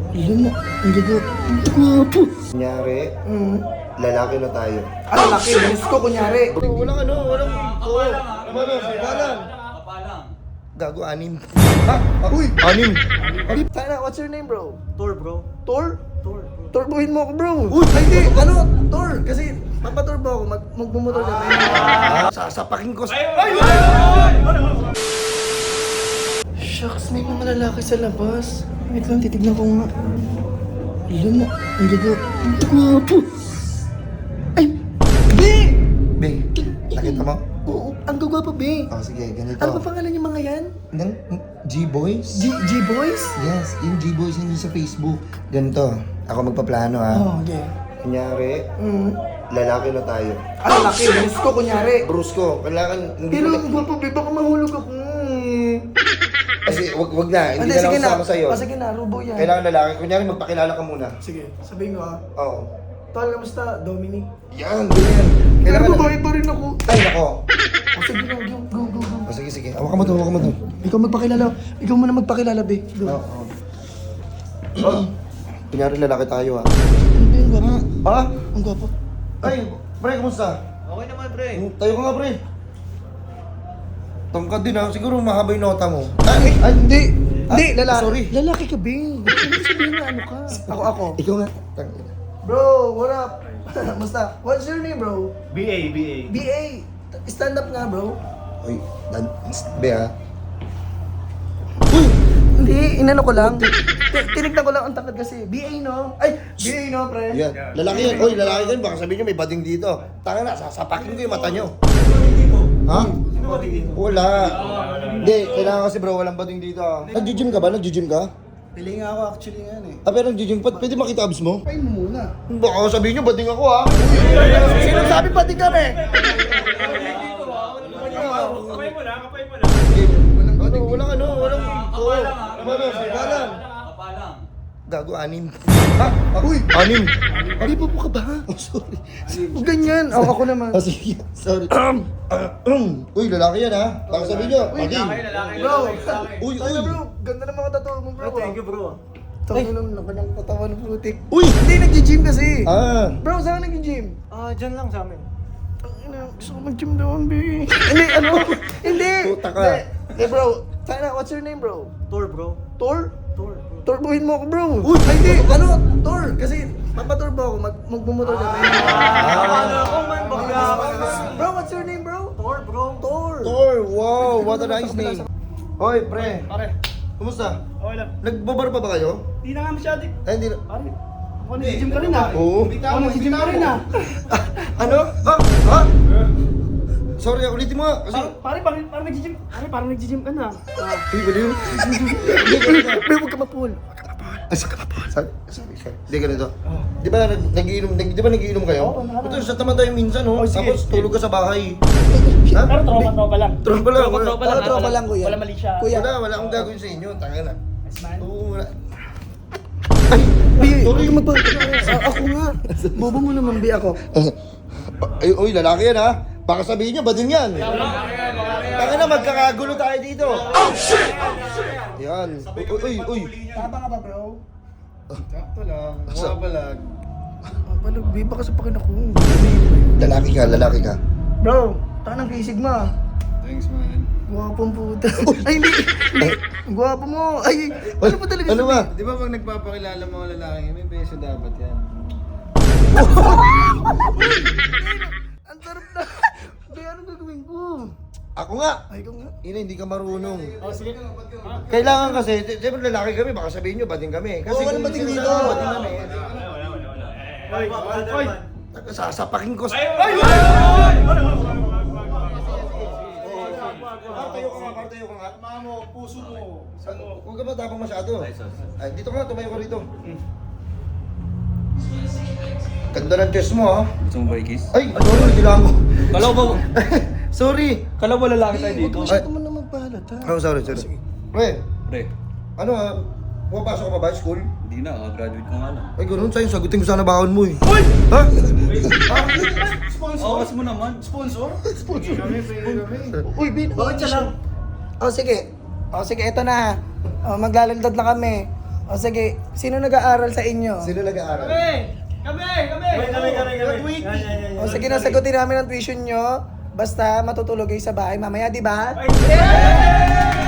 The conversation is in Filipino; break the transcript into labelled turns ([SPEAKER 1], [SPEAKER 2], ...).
[SPEAKER 1] Ilan mo? Ang gagot. Guwapo.
[SPEAKER 2] Kunyari, lalaki na tayo.
[SPEAKER 1] Ano laki? Gusto ko kunyari.
[SPEAKER 2] Walang walang...
[SPEAKER 3] Kapalang.
[SPEAKER 2] Gago, anim. Ha? Uy! Anim!
[SPEAKER 1] Sana, what's your name, bro?
[SPEAKER 3] Tour, bro.
[SPEAKER 1] Tor?
[SPEAKER 3] Tour.
[SPEAKER 1] Turbohin mo ako, bro.
[SPEAKER 2] Uy!
[SPEAKER 1] Ay, hindi. Ano? Tor. Kasi, papaturbo ako. Magbumotor ka.
[SPEAKER 2] Sasapakin ko sa...
[SPEAKER 1] Shucks, may mga lalaki sa labas. Wait lang, titignan ko nga. Ilan mo? Ang gagot. Guwapo. Ay! Be!
[SPEAKER 2] Be, nakita mo?
[SPEAKER 1] Oo, ang gagwapo, be.
[SPEAKER 2] Oh, sige, ganito.
[SPEAKER 1] Ano ba pangalan yung mga yan?
[SPEAKER 2] Ng G-Boys?
[SPEAKER 1] G-Boys?
[SPEAKER 2] Yes, yung G-Boys hindi sa Facebook. Ganito, ako magpaplano ha.
[SPEAKER 1] Oh, okay.
[SPEAKER 2] Kunyari, lalaki na tayo.
[SPEAKER 1] Ano laki? Gusto ko kunyari.
[SPEAKER 2] Bruce ko, kailangan...
[SPEAKER 1] Pero ang gwapo, be. Baka mahulog ako.
[SPEAKER 2] Kasi wag na, hindi na
[SPEAKER 1] sige
[SPEAKER 2] lang kasama sa'yo.
[SPEAKER 1] Sige na, rubo yan.
[SPEAKER 2] Kailangan lalaki. Kunyari, magpakilala ka muna.
[SPEAKER 1] Sige, sabihin ko ha.
[SPEAKER 2] Oo.
[SPEAKER 1] Tol, kamusta? Dominic?
[SPEAKER 2] Yan, ganyan.
[SPEAKER 1] Pero
[SPEAKER 2] Kailangan...
[SPEAKER 1] babae pa rin ako.
[SPEAKER 2] Ay, nako.
[SPEAKER 1] Sige na, go.
[SPEAKER 2] Oh, sige. Hawakan mo to.
[SPEAKER 1] Ikaw magpakilala. Ikaw muna magpakilala, be. Go.
[SPEAKER 2] Oo. Kunyari, lalaki tayo ha.
[SPEAKER 1] Be, ang gwapo.
[SPEAKER 2] Ha?
[SPEAKER 1] Ang gwapo.
[SPEAKER 2] Ay, pre, kumusta?
[SPEAKER 3] Okay naman, pre.
[SPEAKER 2] Tayo ka nga, pre. Tangkad din ha. Siguro mahaba yung nota mo.
[SPEAKER 1] Ay, hindi. Hindi, lalaki.
[SPEAKER 2] Sorry.
[SPEAKER 1] Lalaki ka, be. Hindi sabihin na ano ka. Ako.
[SPEAKER 2] Ikaw nga. Tangina.
[SPEAKER 1] Bro, what up? Basta, what's your name, bro?
[SPEAKER 3] BA.
[SPEAKER 1] BA. Stand up nga, bro.
[SPEAKER 2] Uy, be ha.
[SPEAKER 1] Hindi, inano ko lang. Tinignan ko lang ang takad kasi. BA, no? Ay, BA, no, pre?
[SPEAKER 2] Yan. Lalaki yan. Uy, lalaki yan. Baka sabihin nyo may bading dito. Tanga na, sasapakin ko yung mata nyo. Ha?
[SPEAKER 3] Sino ba dito?
[SPEAKER 2] Wala. Hindi, kailangan kasi bro, walang bading dito. Nag-gym ka ba? Nag-gym ka?
[SPEAKER 1] Pili nga ako actually nga eh.
[SPEAKER 2] Ah, pero nag-gym pa. Pwede makita abs mo?
[SPEAKER 1] Kain mo muna.
[SPEAKER 2] Baka sabihin nyo, bading ako ha.
[SPEAKER 1] Sino sabi pati kami?
[SPEAKER 3] Kapay mo lang.
[SPEAKER 2] Walang...
[SPEAKER 3] Kapalang.
[SPEAKER 2] Gago, anim. Ha? Uy! Anim!
[SPEAKER 1] Hindi po ka ba?
[SPEAKER 2] Oh, sorry.
[SPEAKER 1] Huwag ganyan. Ako naman.
[SPEAKER 2] Oh, sige. Sorry. Uy, lalaki yan ha. Baka sabihin nyo, bading.
[SPEAKER 1] Bro,
[SPEAKER 2] Uy!
[SPEAKER 1] bro, ganda ng mga tattoo mo, bro.
[SPEAKER 3] Thank you, bro.
[SPEAKER 1] Tangin ng nakanyang katawan ng putik.
[SPEAKER 2] Uy!
[SPEAKER 1] Hindi, nag-gym kasi.
[SPEAKER 2] Ah!
[SPEAKER 1] Bro, saan ka nag-gym?
[SPEAKER 3] Dyan lang sa amin.
[SPEAKER 1] Gusto ko mag-gym doon, baby. Hindi, ano? Hindi.
[SPEAKER 2] Puta ka.
[SPEAKER 1] Hindi, bro. Sana, what's your name, bro?
[SPEAKER 3] Tour, bro.
[SPEAKER 1] Tor?
[SPEAKER 3] Tour.
[SPEAKER 1] Turbohin mo ako, bro.
[SPEAKER 2] Uy!
[SPEAKER 1] Ay, hindi. Ano? Tor. Kasi, papaturbo ako. Magbumotor ka. Bro, what's your name, bro?
[SPEAKER 3] Tour, bro.
[SPEAKER 1] Tor.
[SPEAKER 2] Thor! Wow! What a nice name. Hoy, pre.
[SPEAKER 3] Pare.
[SPEAKER 2] Kumusta?
[SPEAKER 3] Okay lang.
[SPEAKER 2] Nagbabar pa ba kayo?
[SPEAKER 3] Di na nga masyado.
[SPEAKER 2] Ay, hindi na.
[SPEAKER 3] Pare. Ako nag-gym ka rin ah.
[SPEAKER 2] Oo.
[SPEAKER 3] Ako nag-gym ka rin ah.
[SPEAKER 2] Ano? Ha? Sorry, ulitin mo nga. Kasi...
[SPEAKER 3] Pare, parang nag-gym ka na.
[SPEAKER 2] Uy, baliw.
[SPEAKER 1] Bro, huwag ka mapul.
[SPEAKER 2] Sorry. Hindi, ganito. Di ba nagiinom kayo? Ito, sa tama tayo minsan, no? Tapos tulog ka sa bahay. Ha?
[SPEAKER 3] Pero tropa lang.
[SPEAKER 2] Tropa lang.
[SPEAKER 1] Tropa lang, kuya.
[SPEAKER 3] Wala mali siya.
[SPEAKER 1] Kuya.
[SPEAKER 2] Wala akong gagawin sa inyo. Tanga na.
[SPEAKER 3] Yes, man.
[SPEAKER 2] Oo, wala.
[SPEAKER 1] Bi, huwag ka mapul. Ako nga. Bobo mo naman, Bi, ako.
[SPEAKER 2] Ay, uy, lalaki yan, ha? Baka sabihin nyo, bading yan. Tanga na, magkakagulo tayo dito. Oh, shit! Yan. Uy.
[SPEAKER 1] Tama nga ba, bro?
[SPEAKER 3] Sakto lang. Bumabalag.
[SPEAKER 1] Palag, Bi, baka sapakin ako.
[SPEAKER 2] Lalaki ka.
[SPEAKER 1] Bro, tanang kay Sigma.
[SPEAKER 3] Thanks, man.
[SPEAKER 1] Gwapong puta. Ay, hindi. Gwapo mo. Ay, ano ba talaga?
[SPEAKER 2] Ano ba?
[SPEAKER 3] Di ba pag nagpapakilala mga lalaki, may beso dapat yan.
[SPEAKER 1] Ang sarap na. Bi, anong gagawin ko?
[SPEAKER 2] Ako nga.
[SPEAKER 1] Ay, ikaw nga.
[SPEAKER 2] Ina, hindi ka marunong.
[SPEAKER 3] Oh, sige.
[SPEAKER 2] Kailangan kasi, siyempre lalaki kami, baka sabihin nyo, bading kami. Kasi
[SPEAKER 1] walang bading dito.
[SPEAKER 2] Bading kami.
[SPEAKER 3] Oy!
[SPEAKER 2] Sasapakin ko sa... Tayo ka nga.
[SPEAKER 3] Mamo, puso mo.
[SPEAKER 2] Huwag ka ba tapang masyado? Ay, dito ka nga, tumayo ka rito. Ganda ng chest mo, ha?
[SPEAKER 4] Gusto mo ba i-kiss?
[SPEAKER 2] Ay, sorry, kailangan ko.
[SPEAKER 4] Kalaw ba?
[SPEAKER 2] Sorry.
[SPEAKER 4] Kalaw ba lalaki tayo
[SPEAKER 1] Huwag
[SPEAKER 4] dito?
[SPEAKER 1] masyado man na magpahalata.
[SPEAKER 2] Oh, sorry. Pre,
[SPEAKER 4] Pre,
[SPEAKER 2] ano ha? Pumapasok ka pa ba school?
[SPEAKER 4] hindi na. Graduate ko nga lang.
[SPEAKER 2] Ay, ganoon sa'yo. Sagutin ko sana baon mo eh. Uy! Ha?
[SPEAKER 4] Awas mo naman.
[SPEAKER 3] Sponsor?
[SPEAKER 1] Uy, Bin, bakit siya lang? Oh, sige. Ito na. Maglalandad na kami. O sige, sino nag-aaral sa inyo?
[SPEAKER 2] Sino nag-aaral?
[SPEAKER 1] O sige, nasagutin namin ang tuition nyo. Basta matutulog kayo sa bahay mamaya, di ba?